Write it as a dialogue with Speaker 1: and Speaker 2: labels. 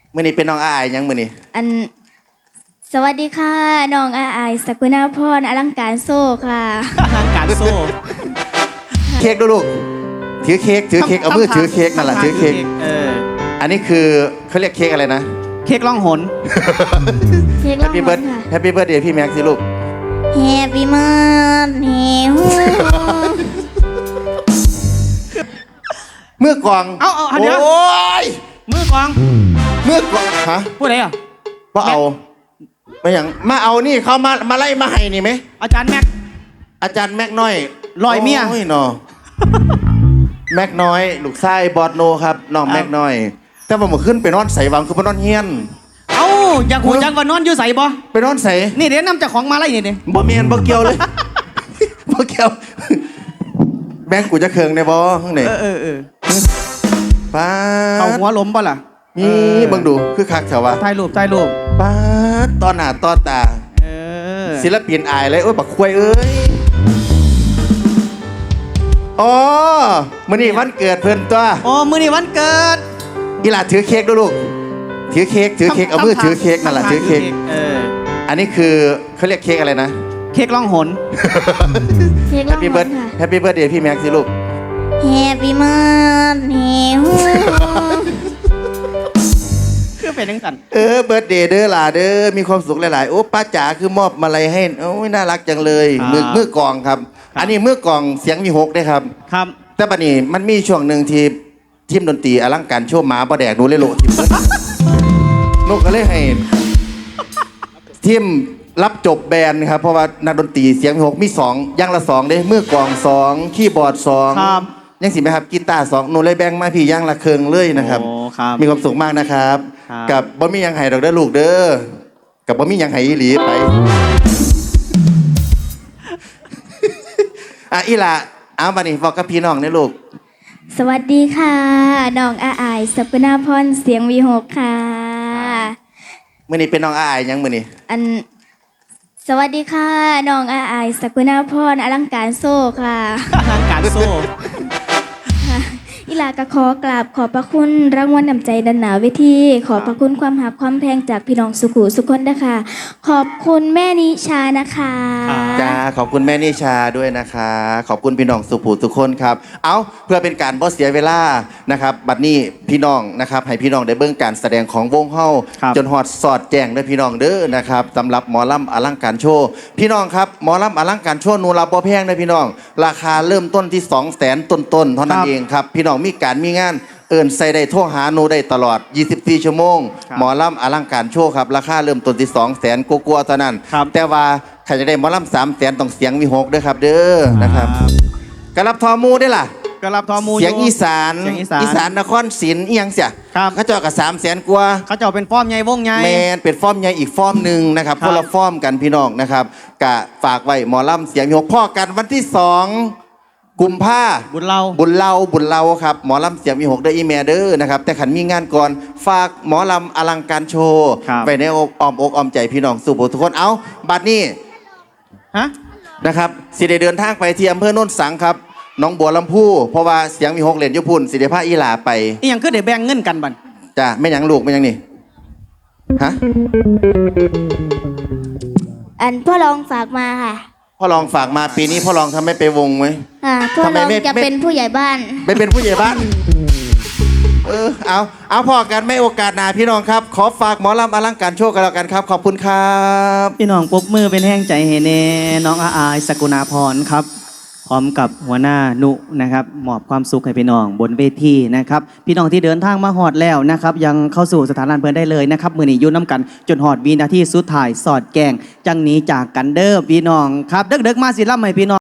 Speaker 1: มื้อนี้เป็นน้องอายยังมื้อนี้
Speaker 2: สวัสดีค่ะน้องอายสกุณาพรอลังการโซ่ค่ะ
Speaker 3: อลังการโซ่
Speaker 1: เค้กดูลูกถือเค้กเอามือถือเค้กนั่นแหละถือเค้กอันนี้คือเขาเรียกเค้กอะไรนะ
Speaker 3: เค้กล่องหน
Speaker 2: เค้ก
Speaker 1: แฮปปี้เบิร์ดแฮปปี้เบิร์ดเดย์พี่แม็กซ์สิลูก
Speaker 2: แฮปปี้เบิร์ดเดย์
Speaker 1: เมื่อกอง
Speaker 3: เอาเดี๋ยว
Speaker 1: โอ้ย
Speaker 3: มือกอง
Speaker 1: ฮะ
Speaker 3: พูดอะไรอ่ะ
Speaker 1: ว่าเอาไม่อย่างมาเอานี่เขามาไล่มาให้นี่ไหม
Speaker 3: อาจารย์แม็ก
Speaker 1: น้อย
Speaker 3: ลอยเมีย
Speaker 1: โอ้ยนอแม็กน้อยลูกชายบอดโนครับน้องแม็กน้อยแต่ผมขึ้นไปนอนใส่วังคือไปนอนเฮียน
Speaker 3: อยากหูจังว่านอนอยู่ใส่บ่
Speaker 1: ไปนอนใส่
Speaker 3: นี่เดี๋ยวนำจากของมาไล่นี่ดิ
Speaker 1: บ่เมียนบ่เกี่ยวเลยบ่เกี่ยวแบงกูจะเคืองในบ่ข้างในป้า
Speaker 3: เอาหัวล้มป่ะล่ะ
Speaker 1: นี่บังดูคือคักแถวว่า
Speaker 3: ถ่ายรูป
Speaker 1: ป้าตอนหน้าตอนตาศิลปินอายเลยโอ้ยบักควยเอ้ยอ๋อมื้อนี้วันเกิดเพิ่นตัว
Speaker 3: มื้อนี้วันเกิด
Speaker 1: อีหล่าถือเค้กดูลูกถือเค้กเอามือถือเค้กนั่นแหละถือเค้กอันนี้คือเขาเรียกเค้กอะไรนะ
Speaker 3: เค้กล่องหน
Speaker 1: แฮปปี้เบิร์ดเดย์พี่แม็กซ์สิลูก
Speaker 2: แฮปปี้เบิร์ดเดย์
Speaker 3: คือเป็นจังซั่น
Speaker 1: เบิร์ดเดย์เด้อหล่าเด้อมีความสุขหลายๆโอ้ป้าจ๋าคือมอบมาลัยให้โอ้ยน่ารักจังเลยมือกองครับอันนี้มือกองเสียงมี6ได้ครับแต่บัดนี้มันมีช่วงหนึ่งที่ทีมดนตรีอลังการโชว์หมาบ่แดกดูเลยโลทีมนกก็เลยให้ทีมรับจบแบนด์ครับเพราะว่านักดนตรีเสียงมี6มี2อย่างละ2เด้มือกอง2คีย์บอร์ด2ยังสิไหมครับกีตาร์2หนูเลยแบ่งมาพี่อย่างละเครื่องเลยนะครับมีความสุขมากนะครับกับบ่มียังไห้ดอกเด้อลูกเด้อกับบ่มียังไห้อีหลีไปอีหล่าเอาบัดนี้บอกกับพี่น้องเนี่ยลูก
Speaker 2: สวัสดีค่ะน้องอายสกุณาพรเสียงวีหกค่ะ
Speaker 1: มื้อนี้เป็นน้องอายยังมื้อนี้
Speaker 2: สวัสดีค่ะน้องอายสกุณาพรอลังการโซ่ค่ะ
Speaker 3: อลังการโซ่
Speaker 2: อิลากะขอกราบขอบพระคุณรางวัลนำใจดันหนาเวทีขอบพระคุณความหักความแพงจากพี่น้องสุขุสุขคนนะคะขอบคุณแม่นิชานะคะ
Speaker 1: จ้าขอบคุณแม่นิชาด้วยนะคะขอบคุณพี่น้องสุขุสุขคนครับเอาเพื่อเป็นการบ่เสียเวลานะครับบัดนี้พี่น้องนะครับให้พี่น้องได้เบิ่งการแสดงของวงเฮาจนฮอดสอดแจ้งด้วยพี่น้องเด้อนะครับสำหรับหมอลำอลังการโชว์พี่น้องครับหมอลำอลังการโชว์นูรับบ่แพงนะพี่น้องราคาเริ่มต้นที่ 200,000 ต้นๆเท่านั้นเองครับพี่น้องมีการมีงานใส่ได้โทรหาหนูได้ตลอด24ชั่วโมงหมอลำอลังการโชว์ครับราคาเริ่มต้นที่200,000กลัวๆเท่านั้นแต่ว่าใครจะได้หมอลำ300,000ต้องเสียงมี6ด้วยครับเด้อนะครับกระลับทอมูได้ล่ะ
Speaker 3: กระลับทอมู
Speaker 1: เสียงอีสานนครศรีอีหยังเสียเขาเจาะกับ300,000กว่า
Speaker 3: เขาเจาะเป็นฟอร์มใหญ่วงใหญ่
Speaker 1: แมนเป็นฟอร์มใหญ่อีกฟอร์มหนึ่งนะครับคนละฟอร์มกันพี่น้องนะครับกะฝากไว้หมอลำเสียงมี6พ่อกันวันที่2กุมภา
Speaker 3: บุญเล่
Speaker 1: าครับหมอลำเสียงมี6ได้อีเมลเด้อนะครับแต่ขันมีงานก่อนฝากหมอลำอลังการโชว์ไปในอ้อมอกอ้อมใจพี่น้องสุโขทุกคนเอาบัดนี้นะครับสิได้เดินทางไปที่อำเภอโนนสังครับน้องบัวลำพูเพราะว่าเสียงมี6เหรียญยุพุนสิได้พาอีหลาไป
Speaker 3: อีหยังคือได้แบ่งเงินกันบัด
Speaker 1: จ้ะไม่หยังลูกไม่หยังนี่ฮะ
Speaker 2: พ่อรองฝากมาค่ะ
Speaker 1: พ่อรองฝากมาปีนี้พ่อรองทำไม่ไปวงไหม
Speaker 2: พ่อรองจะเป็นผู้ใหญ่บ้าน
Speaker 1: ไม่เป็นผู้ใหญ่บ้านเอาพอกันไม่โอกาสหน้าพี่น้องครับขอฝากหมอลำอลังการโชว์กันแล้วกันครับขอบคุณครับ
Speaker 3: พี่น้องปรบมือเป็นแห้งใจให้แน่น้องอายสกุณาพรครับพร้อมกับหัวหน้านุนะครับมอบความสุขให้พี่น้องบนเวทีนะครับพี่น้องที่เดินทางมาฮอดแล้วนะครับยังเข้าสู่สถานลานเพลินได้เลยนะครับมือนี้ยุ่น้ำกันจนฮอดวินาทีสุดท้ายสอดแกงจังนี้จากกันเด้อพี่น้องครับเด็กๆมาสิล่ำให้พี่น้อง